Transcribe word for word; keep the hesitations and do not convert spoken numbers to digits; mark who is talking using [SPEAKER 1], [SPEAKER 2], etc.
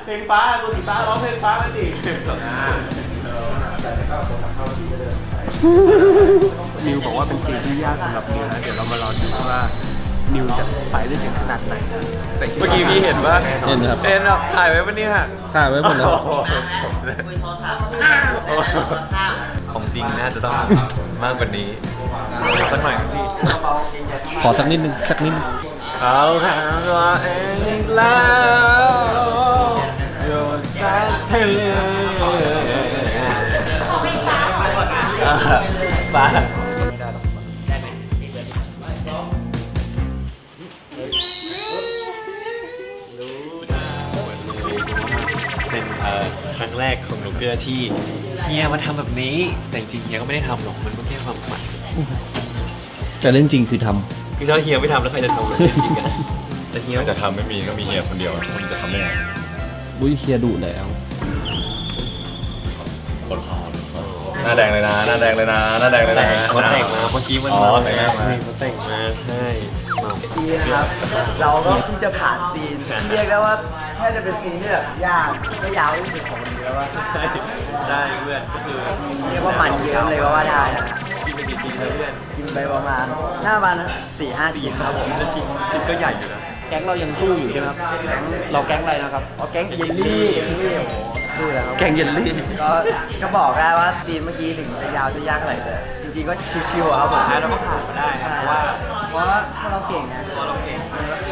[SPEAKER 1] เพลงฟ้าตัวสีฟ้าร้องเพลงฟ้าไปดินิวบอกว่าเป็นซีนที่ยากสำหรับนิวนะเดี๋ยวเรามารอดูว่านิวจะไปได้ถึงขนาดไหนเมื่อกี้พี่เห็นว่า
[SPEAKER 2] เห็นครับ
[SPEAKER 1] เอ็นอ่ะถ่ายไว้ปะเนี่ย
[SPEAKER 2] ถ่ายไว้หมดแล้ว
[SPEAKER 1] ของจริงน่าจะต้องมากกว่านี้สักหน่อยพี่
[SPEAKER 2] ขอสักนิดนึงสักนิดนึง
[SPEAKER 1] เอาทางตัวเองอีกแล้วโยนสักทีบ้าเป็นเอ่อครั้งแรกของหนูเกลือที่เฮียมาทำแบบนี้แต่จริงๆเฮียก็ไม่ได้ทำหรอกมันก็แค่ความฝัน
[SPEAKER 2] แต่เล่นจริงคือท
[SPEAKER 1] คือถ้าเฮียไม่ทำแล้วใครจะทำเลยจริงๆกันแต่เฮีย
[SPEAKER 3] จะทำไม่มีก็มีเฮียคนเดียวมันจะทำได้ไง
[SPEAKER 2] ำบุ้ยเฮียดุแล้ว
[SPEAKER 3] กดคอหน้าแดงเลยนะหน้าแดงเลยนะหน้าแดงเลยนะ
[SPEAKER 1] เขาแต่งมาเมื่อกี้มัน
[SPEAKER 3] อ๋อ
[SPEAKER 1] มา
[SPEAKER 3] แต่งมา
[SPEAKER 1] เขาแต่งมาใช่เมา
[SPEAKER 4] ซีนนะครับ เราก็เพิ่งจะผ่านซีนที่เรียกได้ว่าแค่จะเป็นซีนที่แบบยากไม่ยาวที่สุดของมันแล้วว่า
[SPEAKER 1] ใช่ได้เพื่อนก็คือ
[SPEAKER 4] เรียกว่ามันเยอะเลยก็ว่าได้นะ
[SPEAKER 1] กินไปกี่ชิ้นแล้วเพื่อน
[SPEAKER 4] กินไปประมาณหน้าประมาณสี่ห้า
[SPEAKER 1] สี่
[SPEAKER 4] ชิ้นค
[SPEAKER 1] ห้า
[SPEAKER 4] รับ
[SPEAKER 1] ชิ้นแล้วชิ้นชิ้นก็ใหญ่อยู่นะ
[SPEAKER 2] แก๊งเรายังสู้อยู่ใช่ไหมครับ เราแก๊งอะไรนะครับ
[SPEAKER 4] เอาแก๊งเยลลี่เยลลี่โอ้โหดูแล้วครับ
[SPEAKER 2] แก๊งเยลลี่
[SPEAKER 4] ก็ก็บอกได้ว่าซีนเมื่อกี้ถึงจะยาวจะยากเท่าไหร่แต่จริงๆก็ชิวๆอะครับผม
[SPEAKER 1] แล้วเราก็ผ่านมาได้ครับเพราะว่า
[SPEAKER 4] เพราะว่าพวกเราเก่งนะ
[SPEAKER 1] ตัวเราเก่ง